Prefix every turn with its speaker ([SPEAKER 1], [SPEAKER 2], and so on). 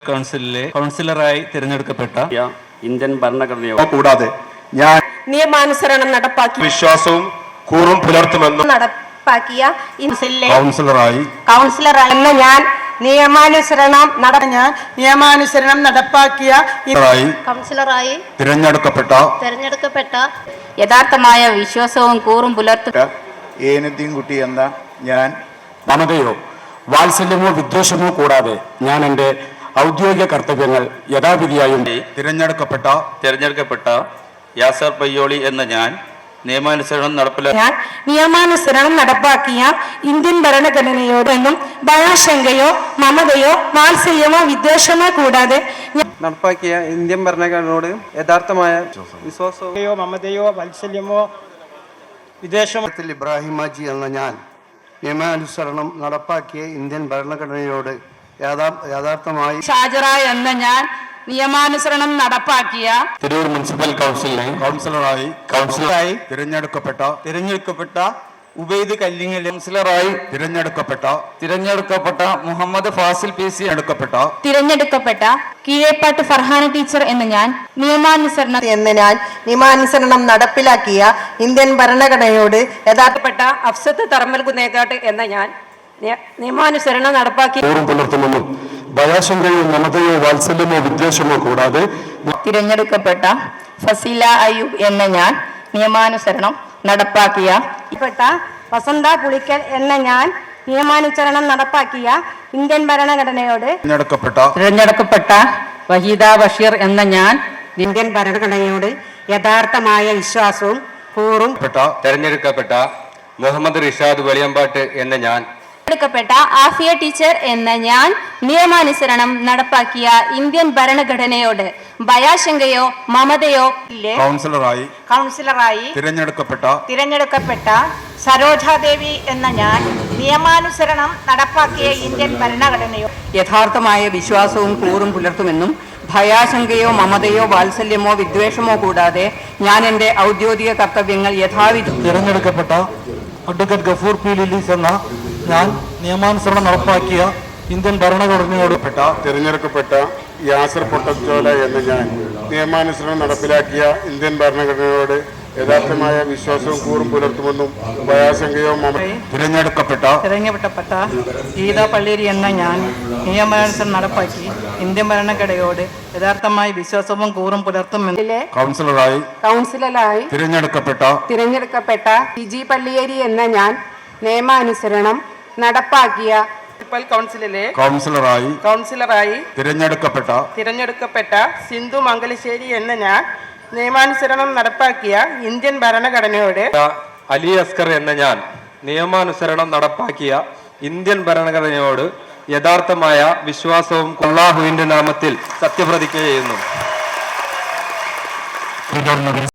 [SPEAKER 1] കൗൺസിലിലെ കൗൺസിലറായി തിരഞ്ഞെടുക്കപ്പെട്ട
[SPEAKER 2] ഇന്ത്യൻ ഭരണഘടനയോ
[SPEAKER 3] കൂടാതെ ഞാൻ
[SPEAKER 4] നിയമാനുസരണം നടപ്പാക്കി
[SPEAKER 3] വിശ്വാസവും കൂറും പുലർത്തുമെന്നും
[SPEAKER 4] നടപ്പാക്കിയ
[SPEAKER 3] കൗൺസിലറായി
[SPEAKER 4] എന്ന ഞാൻ നിയമാനുസരണം നടപ്പാക്കിയ കൗൺസിലറായി
[SPEAKER 3] തിരഞ്ഞെടുക്കപ്പെട്ട
[SPEAKER 4] യഥാർത്ഥമായ വിശ്വാസവും കൂറും പുലർത്തും
[SPEAKER 3] ഏനദ്ദീൻകുട്ടി എന്ന ഞാൻ
[SPEAKER 2] മമതയോ വാത്സല്യമോ വിദ്വേഷമോ കൂടാതെ ഞാൻ എൻ്റെ ഔദ്യോഗിക കർത്തവ്യങ്ങൾ യഥാവിധിയായും
[SPEAKER 1] തിരഞ്ഞെടുക്കപ്പെട്ട യാസർ പയ്യോളി എന്ന ഞാൻ നിയമാനുസരണം
[SPEAKER 4] നടപ്പാക്കിയ ഇന്ത്യൻ ഭരണഘടനയോടൊന്നും ഭയാശങ്കയോ മമതയോ വാത്സല്യമോ വിദ്വേഷമോ കൂടാതെ
[SPEAKER 5] നടപ്പാക്കിയ ഇന്ത്യൻ ഭരണഘടനയോട് യഥാർത്ഥമായ വിശ്വാസമോ മമതയോ വാത്സല്യമോ വിദ്വേഷമോ
[SPEAKER 6] ഇബ്രാഹിം ഹാജി എന്ന ഞാൻ നിയമാനുസരണം നടപ്പാക്കിയ ഇന്ത്യൻ ഭരണഘടനയോട് യഥാർത്ഥമായി
[SPEAKER 4] ഷാജറ എന്ന ഞാൻ നിയമാനുസരണം നടപ്പാക്കിയ
[SPEAKER 2] തിരൂർ മുനിസിപ്പൽ കൗൺസിലിനെ
[SPEAKER 3] കൗൺസിലറായി
[SPEAKER 1] തിരഞ്ഞെടുക്കപ്പെട്ട ഉബൈദ് കല്ലിങ്ങൽ
[SPEAKER 3] കൗൺസിലറായി
[SPEAKER 2] തിരഞ്ഞെടുക്കപ്പെട്ട മുഹമ്മദ് ഫാസിൽ പി സി
[SPEAKER 4] തിരഞ്ഞെടുക്കപ്പെട്ട കീഴേപ്പാട്ട് ഫർഹാന ടീച്ചർ എന്ന ഞാൻ
[SPEAKER 7] നിയമാനുസരണം നടപ്പിലാക്കിയ ഇന്ത്യൻ ഭരണഘടനയോട്
[SPEAKER 4] യഥാർത്ഥപ്പെട്ട അഫ്സത്ത് തർമൽ കുന്നേക്കാട്ട് എന്ന ഞാൻ നിയമാനുസരണം നടപ്പാക്കി
[SPEAKER 2] കൂറും പുലർത്തുമെന്നും ഭയാശങ്കയോ മമതയോ വാത്സല്യമോ വിദ്വേഷമോ കൂടാതെ
[SPEAKER 4] തിരഞ്ഞെടുക്കപ്പെട്ട ഫസീല അയ്യൂബ് എന്ന ഞാൻ നിയമാനുസരണം നടപ്പാക്കിയ വസന്ത പുളിക്കൽ എന്ന ഞാൻ നിയമാനുസരണം നടപ്പാക്കിയ ഇന്ത്യൻ ഭരണഘടനയോട്
[SPEAKER 7] തിരഞ്ഞെടുക്കപ്പെട്ട വഹീദ ബഷീർ എന്ന ഞാൻ ഇന്ത്യൻ ഭരണഘടനയോട് യഥാർത്ഥമായ വിശ്വാസവും കൂറും
[SPEAKER 2] തിരഞ്ഞെടുക്കപ്പെട്ട മുഹമ്മദ് റിഷാദ് വലിയമ്പാട്ട് എന്ന ഞാൻ
[SPEAKER 4] തിരഞ്ഞെടുക്കപ്പെട്ട ആഫിയ ടീച്ചർ എന്ന ഞാൻ നിയമാനുസരണം നടപ്പാക്കിയ ഇന്ത്യൻ ഭരണഘടനയോട് ഭയാശങ്കയോ മമതയോ
[SPEAKER 3] കൗൺസിലറായി
[SPEAKER 4] തിരഞ്ഞെടുക്കപ്പെട്ട സരോജാദേവി എന്ന ഞാൻ നിയമാനുസരണം നടപ്പാക്കിയ ഇന്ത്യൻ ഭരണഘടനയോ
[SPEAKER 7] യഥാർത്ഥമായ വിശ്വാസവും കൂറും പുലർത്തുമെന്നും ഭയാശങ്കയോ മമതയോ വാത്സല്യമോ വിദ്വേഷമോ കൂടാതെ ഞാൻ എൻ്റെ ഔദ്യോഗിക കർത്തവ്യങ്ങൾ യഥാവിധി
[SPEAKER 8] തിരഞ്ഞെടുക്കപ്പെട്ട അഡ്വക്കേറ്റ് ഗഫൂർ പി ലില്ലീസ് എന്ന ഞാൻ നിയമാനുസരണം നടപ്പാക്കിയ ഇന്ത്യൻ ഭരണഘടനയോട്
[SPEAKER 3] തിരഞ്ഞെടുക്കപ്പെട്ട യാസർ പൊട്ടച്ചോല എന്ന ഞാൻ നിയമാനുസരണം നടപ്പിലാക്കിയ ഇന്ത്യൻ ഭരണഘടനയോട് യഥാർത്ഥമായ വിശ്വാസവും കൂറും പുലർത്തുമെന്നും ഭയാശങ്കയോ
[SPEAKER 7] തിരഞ്ഞെടുക്കപ്പെട്ട ഗീത പള്ളേരി എന്ന ഞാൻ നിയമാനുസരണം നടപ്പാക്കി ഇന്ത്യൻ ഭരണഘടനയോട് യഥാർത്ഥമായ വിശ്വാസവും കൂറും പുലർത്തുമെന്നും
[SPEAKER 3] കൗൺസിലറായി
[SPEAKER 7] തിരഞ്ഞെടുക്കപ്പെട്ട ജിജി പള്ളിയേരി എന്ന ഞാൻ നിയമാനുസരണം നടപ്പാക്കിയ കൗൺസിലിലെ കൗൺസിലറായി
[SPEAKER 5] തിരഞ്ഞെടുക്കപ്പെട്ട സിന്ധു മംഗലശ്ശേരി എന്ന ഞാൻ നിയമാനുസരണം നടപ്പാക്കിയ ഇന്ത്യൻ ഭരണഘടനയോട്
[SPEAKER 2] അലി അസ്കർ എന്ന ഞാൻ നിയമാനുസരണം നടപ്പാക്കിയ ഇന്ത്യൻ ഭരണഘടനയോട് യഥാർത്ഥമായ വിശ്വാസവും അല്ലാഹുവിന്റെ നാമത്തിൽ സത്യപ്രതിജ്ഞ ചെയ്യുന്നു.